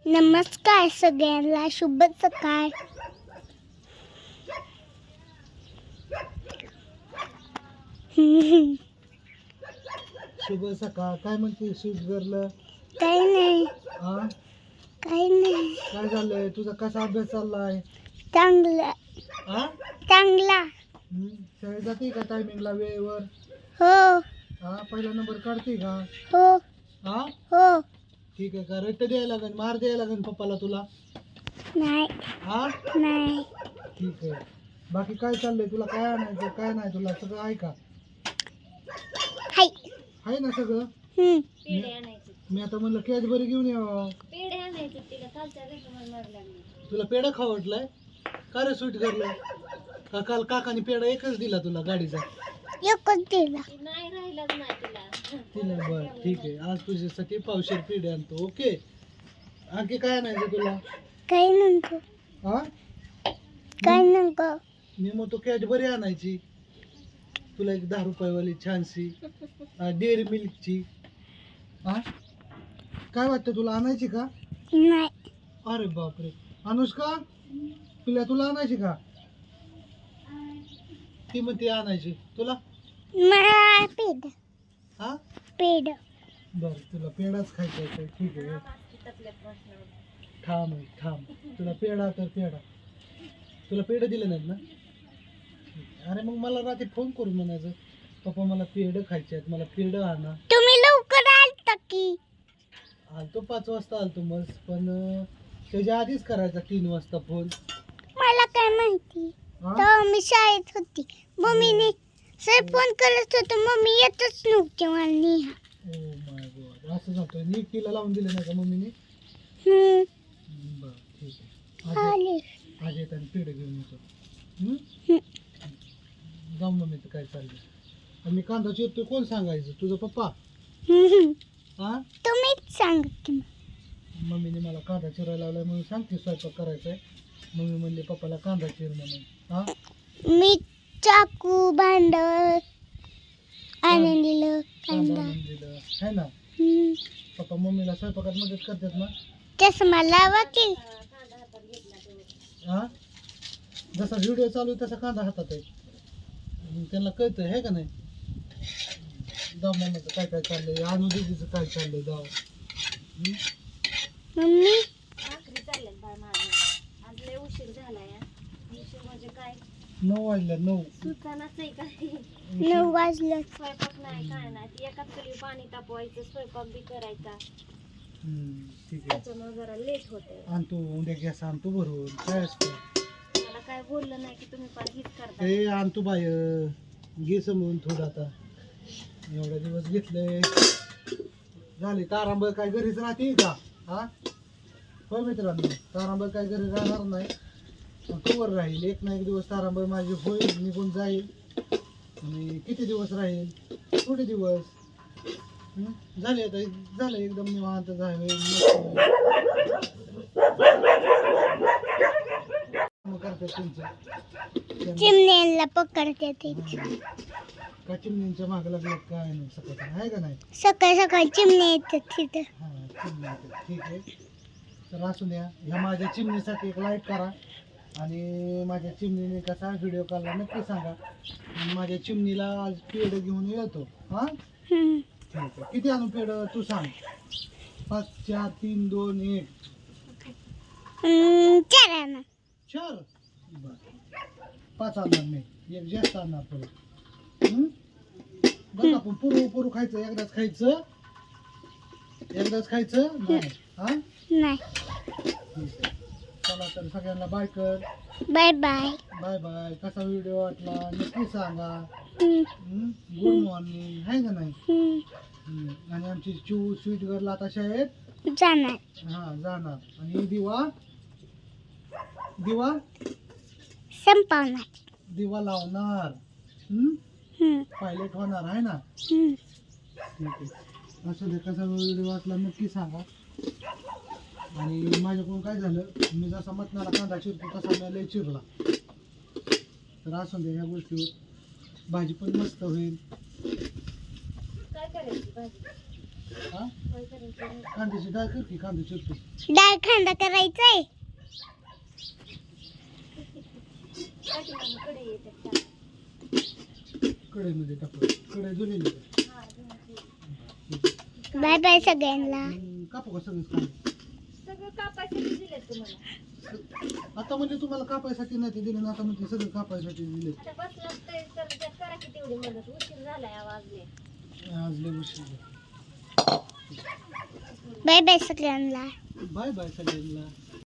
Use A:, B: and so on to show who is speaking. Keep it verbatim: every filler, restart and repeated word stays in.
A: नमस्कार सगळ्यांना, शुभ सकाळ.
B: शुभ सकाळ. काय म्हणते स्वीट गर्ल?
A: काही नाही,
B: हा
A: काही नाही.
B: काय झालंय? तुझा कसा अभ्यास चाललाय?
A: चांगला
B: हा
A: चांगला.
B: हम्म, शाळेत जाते का टायमिंगला वेळेवर?
A: हो
B: हा पहिला नंबर काढते का?
A: हो
B: हा
A: हो.
B: ठीक आहे. का रट्ट द्यायला लागेल, मार द्यायला लागेल पप्पाला तुला?
A: नाही
B: हा
A: नाही.
B: ठीक आहे. बाकी काय चाललंय? तुला काय आणायचं काय नाही तुला सगळं आहे का?
A: हाय.
B: आहे ना सगळं?
A: हम्म.
B: मी मी आता म्हणलं कॅडबरी घेऊन यावं. तुला पेढा खाऊ वाटलाय का रे स्वीट गर्ल? का काल काकाने पेढा एकच दिला तुला गाडीचा?
A: एकच दिला.
B: तिला बरं ठीक आहे. आज तुझ्यासाठी पावशेर पेढे आणतो. ओके. आणखी काय आणायचं तुला?
A: काही नको,
B: हा
A: काही नको.
B: मी म्हणतो कॅडबरी आणायची तुला, एक दहा रुपयावाली छानशी डेअरी मिल्कची. हा काय वाटतं तुला आणायची का?
A: नाही.
B: अरे बापरे. अनुष्का तुला तुला आणायची का? ती म्हणते आणायची तुला.
A: मला पेड
B: हा
A: पेड.
B: बर तुला पेढाच खायचा आहे. ठीक आहे. थांब आहे, थांब. तुला पेढा तर पेढा. तुला पेढं दिलं नाहीत ना? अरे मग मला रात्री फोन करून म्हणायचं पप्पा मला पेढं खायचे आहेत, मला पेढं आणा.
A: तुम्ही लवकर आलता की?
B: आलतो पाच वाजता आलतो मस्त, पण अं, त्याच्या आधीच करायचा तीन वाजता फोन.
A: मला काय माहिती,
B: हा?
A: तेव्हा मी शाळेत होती. मम्मीने सर फोन करत होतो, मम्मी येतच नव्हती मला नेहा.
B: Oh my God. असं जातोय. नीट तिला लावून दिलं नाही का मम्मीने?
A: हम्म.
B: बरं ठीक आहे. आज
A: आले.
B: आज येत आणि पेढं घेऊन येतो. हम्म?
A: हम्म.
B: जाऊ मम्मी तर काय चाललंय. आणि मी कांदा चिरतोय कोण सांगायचं? तुझा पप्पा?
A: हम्म.
B: हा
A: तुम्हीच सांग की.
B: मम्मीने मला कांदा चिरायला लावलाय म्हणून सांगते स्वयंपाक करायचा आहे. मम्मी म्हणले पप्पाला कांदा चिर म्हणून. हा
A: मी चाकू भांड आणून दिलं,
B: कांदा
A: कांदा.
B: आणून दिलं है ना?
A: हम्म.
B: पप्पा मम्मीला स्वयंपाकात मदत करतात ना?
A: चष्मा लावा की.
B: हा जसा व्हिडिओ चालू आहे तसा कांदा हातात आहे. मग त्यांना कळतंय है का नाही? जाऊ मम्मीचं काय काय चाललंय, अनु दीदीचं काय चाललंय जाऊ. हम्म?
A: मम्मी
B: नऊ वाजल्या नऊ.
A: नऊ वाजलं.
C: स्वयंपाक नाही काय नाही, एकाच चुली पाणी तापवायचं, स्वयंपाक बी करायचा,
B: हम्म, ठीक आहे.
C: त्याच्यामुळे जरा लेट होते.
B: आणतो उद्या गॅस आणतो भरून. काय असतं
C: मला काय बोललं नाही की तुम्ही पण हीच करता.
B: ते आणतो बाय. घे समजून थोडं आता. एवढा दिवस घेतले झाले. तारांबळ काय घरीच राहते का? हा होय मित्रांनो, तारांबळ काय घरी राहणार नाही. पण कवर राहील एक ना एक दिवस. तारांबळ माझी होईल, निघून जाईल. आणि किती दिवस राहील? थोडे दिवस. हम्म? झाले आता झालं एकदम निवांत झालं. करतात त्यांचं
A: चिमण्यांना पकडते ते.
B: का चिमण्यांच्या मागे लागलं काय नाही सकाळ आहे का नाही?
A: सकाळ सकाळी चिमण्या येतात तिथं.
B: हा चिमण्या येतात. ठीक आहे. तर असू द्या. ह्या माझ्या चिमणीसाठी एक लाईक करा. आणि माझ्या चिमणीने कसा व्हिडिओ काढला नक्की सांगा. आणि माझ्या चिमणीला आज पेढं घेऊन येतो. हा
A: हम्म.
B: ठीक आहे. किती आणू पेढं तू सांग. पाच चार तीन दोन एक.
A: हम्म, चार आणा.
B: चार बर पाच आणणार मी. एक जास्त आणणार परत. हम्म? बघ आपण पुरू पुरू खायचं. एकदाच खायचं. एकदाच खायचं नाही. हा
A: नाही.
B: ठीक आहे. चला तर सगळ्यांना बाय कर.
A: Bye bye.
B: Bye bye. कसा व्हिडिओ वाटला नक्की सांगा.
A: हम्म.
B: गुड मॉर्निंग आहे का नाही?
A: हम्म.
B: हम्म. आणि आमची चू स्वीट गर्ल आता शाळेत
A: जाणार.
B: हा जाणार. आणि दिवा दिवा
A: संपवणार.
B: दिवा लावणार. हम्म?
A: हम्म.
B: पायलट होणार आहे ना?
A: हम्म.
B: ठीक आहे. असं दे कसा व्हिडिओ वाटला नक्की सांगा. आणि माझ्याकडून काय झालं, मी जसा मटणाला कांदा चिरतो तसा मी लय चिरला. तर असं दे ह्या गोष्टीवर भाजी पण मस्त होईल.
C: काय करायची भाजी?
B: हा
C: होय करायचं.
B: कांद्याची डाळ कर की कांदा चिरतो
A: डाळ खांदा करायचाय.
C: पाठीमागं कढई येते त्या.
B: कढईमध्ये टाकू कढई जुलेली
C: हा, धुवायची.
A: बाय बाय सगळ्यांना.
B: कापू का सगळंच कांदे
C: सगळं कापायसाठी दिलेत तुम्हाला.
B: आता म्हणजे तुम्हाला कापायसाठी नाही ते दिले ना आता म्हणजे सगळं कापायसाठी दिले
C: आता बसलात तर तर त्यात करा की तेवढी मदत. उशीर झालाय आवाजले.
B: आज लय उशीर
A: बाय बाय सगळ्यांना.
B: बाय बाय सगळ्यांना